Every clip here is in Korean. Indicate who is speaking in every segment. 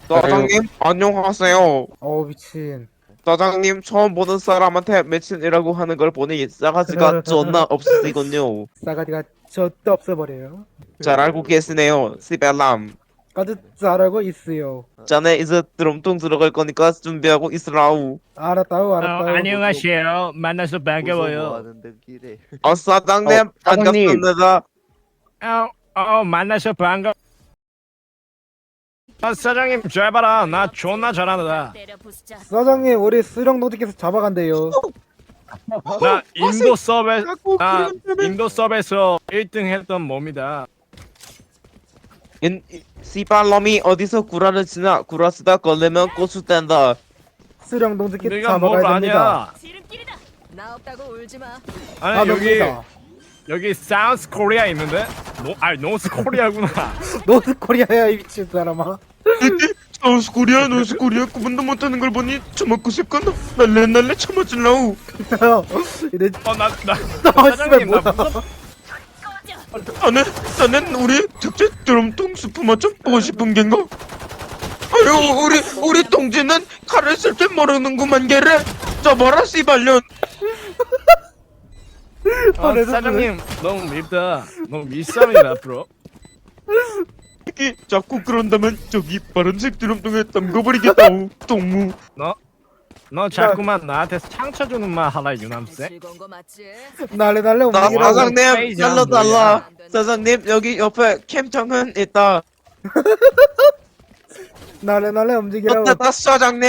Speaker 1: 사장님 안녕하세요.
Speaker 2: 미친.
Speaker 1: 사장님 처음 보는 사람한테 매친이라고 하는 걸 보니 싸가지가 존나 없으시군요.
Speaker 2: 싸가지가 저도 없어버려요.
Speaker 1: 잘 알고 계시네요. 시벨람.
Speaker 2: 아주 잘 알고 있어요.
Speaker 1: 자네 이제 드럼통 들어갈 거니까 준비하고 있으라우.
Speaker 2: 알았다요, 알았다요.
Speaker 3: 안녕하세요. 만나서
Speaker 4: 뭐
Speaker 3: 반가워요.
Speaker 4: 하는데 길에
Speaker 1: 사장님
Speaker 5: 사장님.
Speaker 1: 반갑습니다.
Speaker 3: 만나서 반가. 사장님 잘 봐라. 나 존나 잘한다.
Speaker 2: 사장님, 우리 수령 노드께서 잡아간대요.
Speaker 3: 나 인도 서베
Speaker 1: 자꾸
Speaker 3: 나
Speaker 1: 그런 데는-
Speaker 3: 인도 서베에서 1등 했던 몸이다.
Speaker 1: 시발놈이 어디서 구라를 치나 구라 쓰다 걸리면 고수 뗀다.
Speaker 2: 수령 노드께
Speaker 3: 내가 뭘
Speaker 2: 잡아가야 됩니다.
Speaker 3: 아냐?
Speaker 6: 지름길이다. 나 없다고 울지 마.
Speaker 3: 아니 여기
Speaker 2: 놈이다.
Speaker 3: 여기 사우스 코리아 있는데? 노스 코리아구나.
Speaker 2: 노드 코리아야, 이 미친 사람아.
Speaker 1: 노스 코리아 구분도 못하는 걸 보니 처먹고 싶거나 날래 처먹질라우.
Speaker 2: 이래,
Speaker 3: 나
Speaker 2: 씨발,
Speaker 3: 사장님 나
Speaker 2: 뭐야.
Speaker 3: 무슨
Speaker 1: 나는 우리 특제 드럼통 스프 맛 좀 보고 싶은 겐가? 아유 우리 동지는 칼을 쓸 줄 모르는구만 걔를. 저봐라 씨발년.
Speaker 3: 사장님 너무 밉다. 너무 밉습니다 앞으로.
Speaker 1: 자꾸 그런다면 저기 파란색 드럼통에 담궈버리겠다우. 동무.
Speaker 3: 너 자꾸만 나한테 상처 주는 말 하라 유남세.
Speaker 6: 즐거운 거 맞지?
Speaker 2: 날래
Speaker 1: 나
Speaker 2: 움직이라고.
Speaker 1: 사장님 잘라달라. 사장님 여기 옆에 캠정은 있다.
Speaker 2: 날래 움직이라고.
Speaker 1: 어때다 사장님.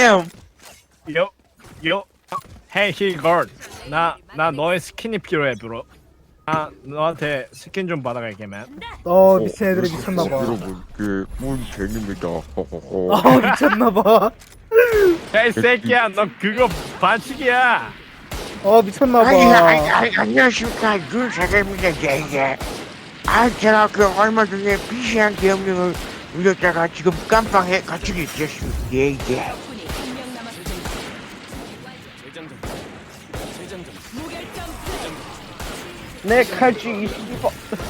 Speaker 3: 요 헤이 힐걸. 나 너의 스킨이 필요해 브로. 나 너한테 스킨 좀 받아갈게만.
Speaker 2: 미친 애들이 미쳤나봐.
Speaker 5: 여러분 그 문쟁입니다. 허허허.
Speaker 2: 미쳤나봐.
Speaker 3: 야이 새끼야 너 그거 반칙이야.
Speaker 2: 미쳤나봐.
Speaker 7: 안녕하십니까 윤 사장입니다. 이제 제가 그 얼마 전에 비시한 계엄령을 울렸다가 지금 깜빵에 갇히게 되었습니다. 예.
Speaker 6: 덕분이 한명 남았습니다. 무결점
Speaker 5: 내 칼쥐 22번.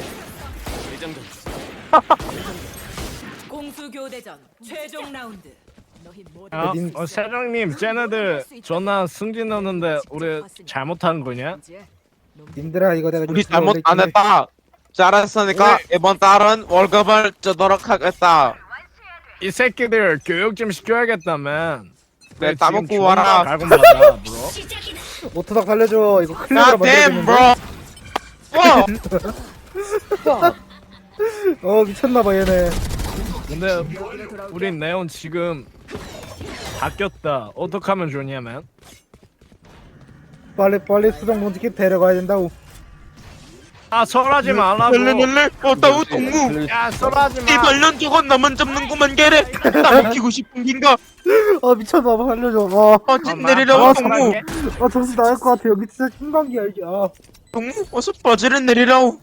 Speaker 6: 공수 교대전 최종 라운드. 너희 모두
Speaker 3: 사장님 쟤네들 존나 승진 넣는데 우리 잘못한 거냐?
Speaker 2: 님들아, 이거 내가
Speaker 1: 우리
Speaker 2: 좀
Speaker 1: 잘못 안
Speaker 2: 들어올게.
Speaker 1: 했다. 잘했으니까 이번 달은 월급을 주도록 하겠다.
Speaker 3: 이 새끼들 교육 좀 시켜야겠다면.
Speaker 1: 네, 따먹고 와라.
Speaker 3: 갈고 말아 브로.
Speaker 2: 오토닥 살려줘. 이거 클레어로
Speaker 1: God
Speaker 2: 만들어야
Speaker 1: damn,
Speaker 2: 되는데.
Speaker 1: bro.
Speaker 2: 미쳤나봐, 얘네.
Speaker 3: 근데 우리 네온 지금 바뀌었다. 어떻게 하면 좋냐면
Speaker 2: 빨리 수정 노드께 데려가야 된다고.
Speaker 3: 설하지 말라고.
Speaker 1: 낼래 어따우 동무.
Speaker 3: 야 설하지 마.
Speaker 1: 이 발년 저건 나만 잡는구만 걔래. 따먹히고 싶은 긴가?
Speaker 2: 미쳤나봐, 살려줘.
Speaker 1: 찐 내리라고 동무.
Speaker 2: 정신 나갈 것 같아. 여기 진짜 신관계 알지?
Speaker 1: 동무 어서 바지를 내리라우.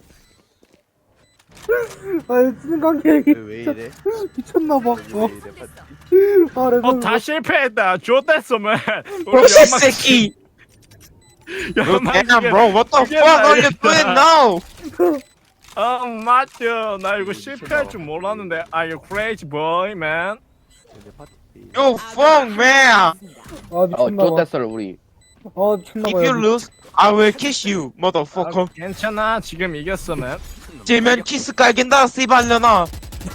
Speaker 2: 신관계
Speaker 4: 왜 이래?
Speaker 2: 미쳤나봐.
Speaker 4: 왜 이래?
Speaker 3: 다 실패했다. 좋댔어만.
Speaker 1: 이 새끼.
Speaker 3: 연막
Speaker 1: Damn, bro, what the
Speaker 3: 그게
Speaker 1: fuck are you
Speaker 3: 말이야.
Speaker 1: doing now?
Speaker 3: 맞죠. 나 이거 실패할 줄 몰랐는데. Are you crazy boy, man?
Speaker 1: You fuck man.
Speaker 2: 미쳤나봐.
Speaker 5: 좋댔어 우리.
Speaker 1: If
Speaker 2: 미쳤나봐.
Speaker 1: you lose, I will kiss you, motherfucker.
Speaker 3: 괜찮아. 지금 이겼어, man.
Speaker 1: 지면 키스 깔긴다, 씨발년아.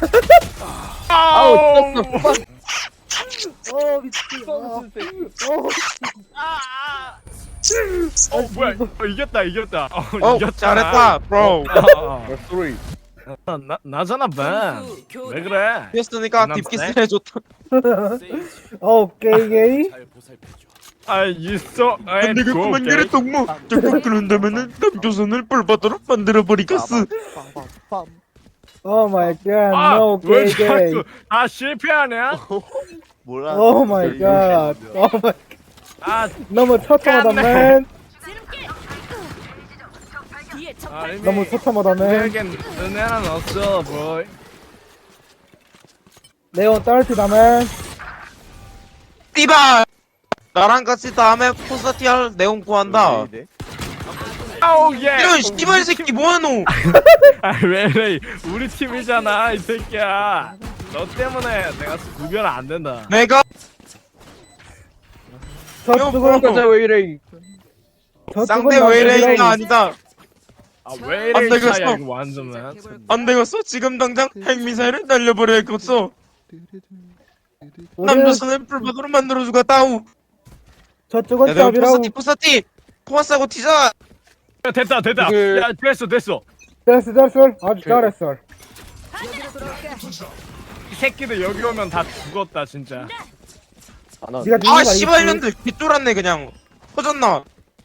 Speaker 3: 아우,
Speaker 2: 미친.
Speaker 3: 뭐야? 이겼다. 이겼다.
Speaker 1: 잘했다, bro.
Speaker 5: 소리.
Speaker 3: 나잖아, man. 왜 그래?
Speaker 1: 했으니까
Speaker 3: 남세?
Speaker 1: 딥키스 해줬다.
Speaker 2: 게이.
Speaker 3: 있어.
Speaker 1: 내가 그만 걔를 동무. 자꾸 그런다면은 감조선을 뿔바도록 만들어버리겠어.
Speaker 2: 오 마이 갓. 노
Speaker 3: 왜
Speaker 2: 게이.
Speaker 3: 자꾸 실패하냐?
Speaker 4: 뭐라?
Speaker 2: 오 마이 갓. 너무 처참하다,
Speaker 3: 깐네.
Speaker 2: 맨.
Speaker 6: 지름길. 뒤에 적
Speaker 3: 이미
Speaker 2: 너무 처참하다, 맨.
Speaker 3: 우리에겐 은혜는 없어, boy.
Speaker 2: 네온 딸티다, 맨.
Speaker 1: 띠발. 나랑 같이 다음에 콘서트할 내용 구한다.
Speaker 4: 왜 이래?
Speaker 3: 아우 예.
Speaker 1: 이런 씨발 새끼 뭐하노?
Speaker 3: 왜 이래? 우리 팀이잖아, 이 새끼야. 너 때문에 내가 구별 안 된다.
Speaker 1: 내가
Speaker 2: 저쪽은
Speaker 5: 가자 왜 이래?
Speaker 1: 쌍대 외래인가 아니다.
Speaker 3: 아, 왜
Speaker 1: 안
Speaker 3: 이래
Speaker 1: 되겠어.
Speaker 3: 차야 이거 완전.
Speaker 1: 안 되겠어. 지금 당장 핵미사일을 날려버려야겠어.
Speaker 2: 우리는
Speaker 1: 남조선을 불박으로 만들어주고 따우.
Speaker 2: 저쪽은
Speaker 1: 내가
Speaker 2: 짭이라고.
Speaker 1: 포사티 포화싸고 튀자.
Speaker 3: 야, 됐다.
Speaker 5: 그-
Speaker 3: 야, 됐어.
Speaker 2: 됐어. 아주 잘했어.
Speaker 3: 이 새끼들 여기 오면 다 죽었다 진짜.
Speaker 5: 안 와.
Speaker 2: 네가 누군
Speaker 1: 아
Speaker 2: 거 알겠지?
Speaker 1: 씨발년들 개쫄았네 그냥. 터졌나?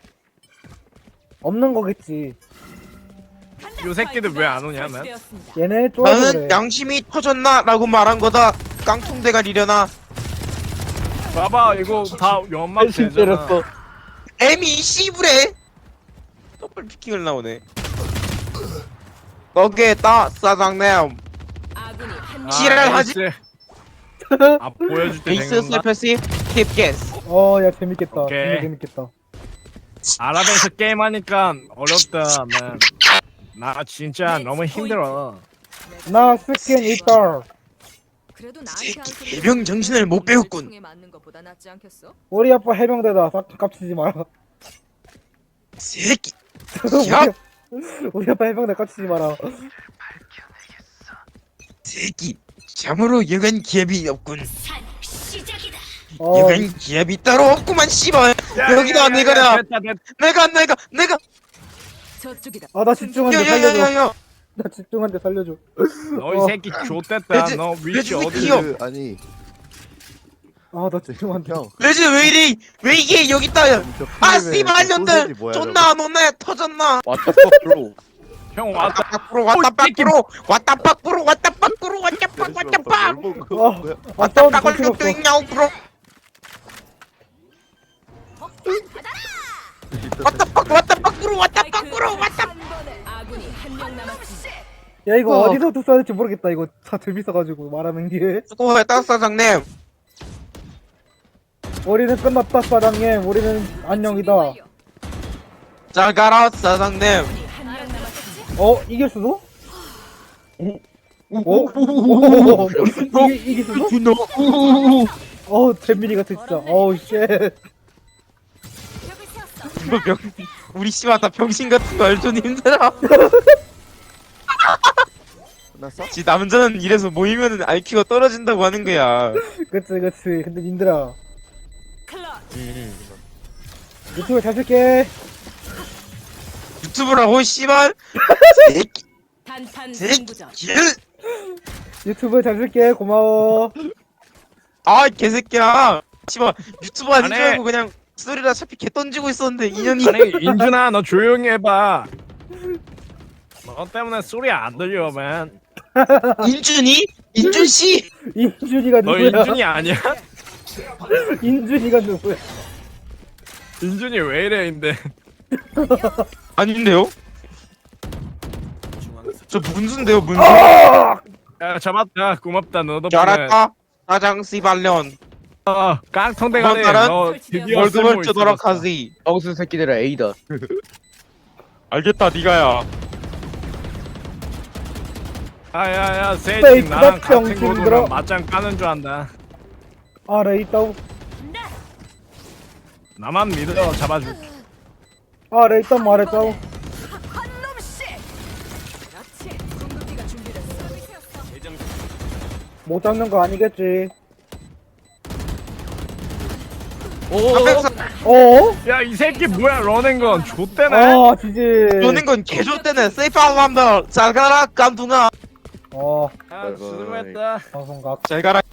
Speaker 2: 없는 거겠지.
Speaker 3: 요 새끼들 왜 안 오냐, 난?
Speaker 6: 설치되었습니다.
Speaker 2: 얘네 쫄아서
Speaker 1: 나는
Speaker 2: 그래.
Speaker 1: 양심이 터졌나라고 말한 거다. 깡통대가리려나.
Speaker 3: 봐봐 이거 다 연막
Speaker 5: 신
Speaker 3: 되잖아.
Speaker 5: 때렸어.
Speaker 1: 에미 씨부레. 더블 피킹을 나오네. 거기에다 사장님.
Speaker 6: 아군이 한 명.
Speaker 1: 지랄하지.
Speaker 3: 에이스. 아 보여줄 때
Speaker 1: 에이스
Speaker 3: 된 건가?
Speaker 1: 슬퍼시 힙게스.
Speaker 2: 야 재밌겠다.
Speaker 3: 오케이.
Speaker 2: 정말 재밌겠다.
Speaker 3: 아랍에서 게임하니까 어렵다 man. 나 진짜 너무 힘들어.
Speaker 2: 나 스킨 있다.
Speaker 6: 그래도 나한테 한 소리
Speaker 1: 개병 정신을 못 배웠군.
Speaker 6: 총에 맞는 것보다 낫지 않겠어?
Speaker 2: 우리 아빠 해병대다. 깝치지 마라.
Speaker 1: 새끼. 야,
Speaker 2: 우리 아빠 해병대 깝치지 마라.
Speaker 1: 새끼. 참으로 여간 기합이 없군.
Speaker 2: 어,
Speaker 1: 여간 기합이 따로 없구만 씨발. 여기다 내가냐.
Speaker 3: 됐다.
Speaker 1: 내가.
Speaker 6: 저쪽이다.
Speaker 2: 나 집중한데 살려줘.
Speaker 1: 야야야야야.
Speaker 2: 나 집중한데 살려줘.
Speaker 3: 너 이 새끼 좆됐다.
Speaker 1: 레즈,
Speaker 3: 너 위치
Speaker 1: 레즈
Speaker 3: 어디?
Speaker 1: 귀여워.
Speaker 4: 그, 아니
Speaker 2: 나 집중한데.
Speaker 4: 형.
Speaker 1: 레즈 왜 이래? 왜 이게 여기 있다야?
Speaker 4: 저
Speaker 1: 아
Speaker 4: 필름에
Speaker 1: 씨발년들.
Speaker 4: 소세지 뭐야,
Speaker 1: 존나 안 오네. 터졌나?
Speaker 5: 왔다 프로.
Speaker 3: 형
Speaker 1: 왔다
Speaker 3: 왔다.
Speaker 1: 밖으로 왔다 밖으로 왔다 밖으로 왔다 밖으로 왔다 밖 왔다 밖
Speaker 4: 저거.
Speaker 1: 왔다
Speaker 2: 사운드
Speaker 1: 밖을
Speaker 2: 정신 없어.
Speaker 1: 또 있냐고 프로 왔다 밖으로 왔다 밖으로 왔다 밖으로 왔다.
Speaker 6: 아군이 한 명 남았습니다.
Speaker 2: 야 이거 어디서 써야 될지 모르겠다. 이거 다 재밌어가지고 말하는 게.
Speaker 1: 수고했다 사장님.
Speaker 2: 우리는 끝났다 사장님. 우리는 안녕이다.
Speaker 1: 잘 가라 사장님.
Speaker 6: 한명 남았습니다.
Speaker 2: 이길 수도? 이길 수도? 잼민이 같아 진짜. 쉣.
Speaker 1: 이거 우리 씨발 다 병신 같은 거 알죠 님들아.
Speaker 4: 끝났어?
Speaker 1: 지 남자는 이래서 모이면은 IQ가 떨어진다고 하는 거야.
Speaker 2: 그치. 근데 님들아
Speaker 6: 클럿.
Speaker 2: 유튜브 잘 쓸게.
Speaker 1: 유튜브라고 씨발. 새끼
Speaker 6: 단판 승부전.
Speaker 1: 새끼.
Speaker 2: 유튜브 잘 쓸게. 고마워.
Speaker 1: 아 개새끼야. 씨발 유튜브 아닌
Speaker 3: 안
Speaker 1: 줄
Speaker 3: 해.
Speaker 1: 알고 그냥 스토리라 차피 개 던지고 있었는데 인연이.
Speaker 3: 아니 인준아 너 조용히 해봐. 너 때문에 소리 안 들려 man.
Speaker 1: 인준이? 인준 씨?
Speaker 2: 인준이가
Speaker 3: 너
Speaker 2: 누구야?
Speaker 3: 인준이 아니야?
Speaker 2: 인준이가 누구야?
Speaker 3: 인준이 왜 이래인데?
Speaker 1: 아닌데요? 저 문수인데요 문수.
Speaker 3: 야 잡았다 고맙다 너 덕분에.
Speaker 1: 잘했다. 사장 씨발년.
Speaker 3: 깡통대가리
Speaker 1: 그만
Speaker 3: 너 드디어
Speaker 1: 월급을
Speaker 3: 쓸모
Speaker 1: 주도록
Speaker 3: 있어졌어.
Speaker 1: 하지.
Speaker 5: 억수 새끼들아 A다.
Speaker 1: 알겠다 니가야.
Speaker 3: 아야야 세이지
Speaker 2: 페이크다,
Speaker 3: 나랑 같은
Speaker 2: 병신들아.
Speaker 3: 고도랑 맞짱 까는 줄 안다.
Speaker 2: 레 있다고.
Speaker 3: 나만 믿어 잡아줄게.
Speaker 2: 레 있다 말했다고.
Speaker 6: 그렇지. 궁극기가 준비됐어.
Speaker 2: 못 잡는 거 아니겠지.
Speaker 3: 야 이 새끼 뭐야 러닝건 좆대네.
Speaker 2: 지지.
Speaker 1: 노는 건 개조때네. 세이프하고 한다. 잘 가라 깜둥아.
Speaker 3: 아 수고했다.
Speaker 2: 방송각.
Speaker 1: 잘 가라.